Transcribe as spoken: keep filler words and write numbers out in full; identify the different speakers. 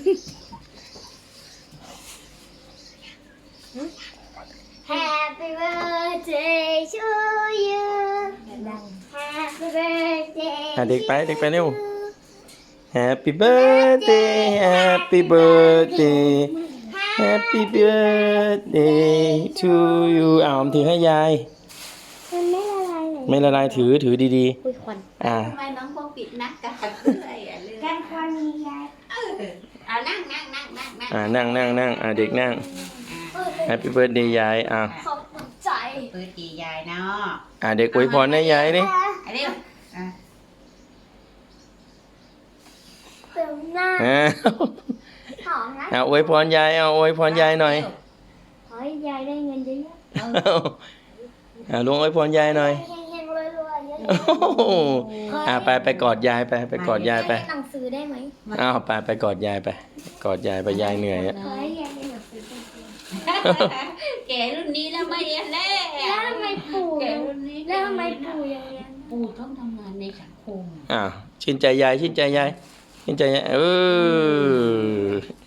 Speaker 1: Happy birthday to you Happy birthday
Speaker 2: อ่ะเด็กไปเด็กไปเร็ว Happy birthday Happy birthday Happy birthday to you อ่าอมถือให้ยาย
Speaker 1: มันไม่ละลายเลย
Speaker 2: ไม่ละลายถือถือดี
Speaker 1: อุ้ยควัน
Speaker 2: ๆอ่า
Speaker 3: ทำไมน้องพวกปิดหน้ากากด้วยอ่ะเรื่อง
Speaker 1: กันควันมียาย
Speaker 3: เออเอานั่งนั่งนั่งนั่งนั่ง
Speaker 2: อ่านั่งนั่งนั่งอ่าเด็กนั่ง Happy birthday ยายอ่า
Speaker 1: ขอบคุณใจ
Speaker 3: เปิดตียายเนาะ
Speaker 2: อ่าเด็กอวยพรให้ยายดิ
Speaker 3: อันนี้อ่ะ
Speaker 1: เติมหน้า
Speaker 2: อ่า
Speaker 1: หอมนะ
Speaker 2: อ่าอวยพรยายเอาอวยพรยายหน่อย
Speaker 1: ขอให้ยายได้เงินเยอะ
Speaker 2: อ่าลุงอวยพรยายหน่อย
Speaker 1: ๆเฮงๆรวยๆเยอะ
Speaker 2: โอ้โหอ่าไปไปกอดยายไปไปกอด
Speaker 1: ๆ
Speaker 2: ยายไป
Speaker 1: ได้หนังสือได้ไหม
Speaker 2: อ้าวไปไปกอดยายไป กอดยายไปยายเหนื่อยอ่ะ
Speaker 1: ขอให้ยายได้หนังสือจริง
Speaker 3: แกรุ่นนี้แล้วไม่เรียนแล้
Speaker 1: ๆแล้วทำไมปู่
Speaker 3: แก
Speaker 1: ยัง
Speaker 3: รุ่นนี้
Speaker 1: แล้วทำไมปู่ยังเรียน
Speaker 3: ปู่ต้องทำงานในสังคม
Speaker 2: อ้าวชื่นใจยายชื่นใจยายชื่นใจยายเออ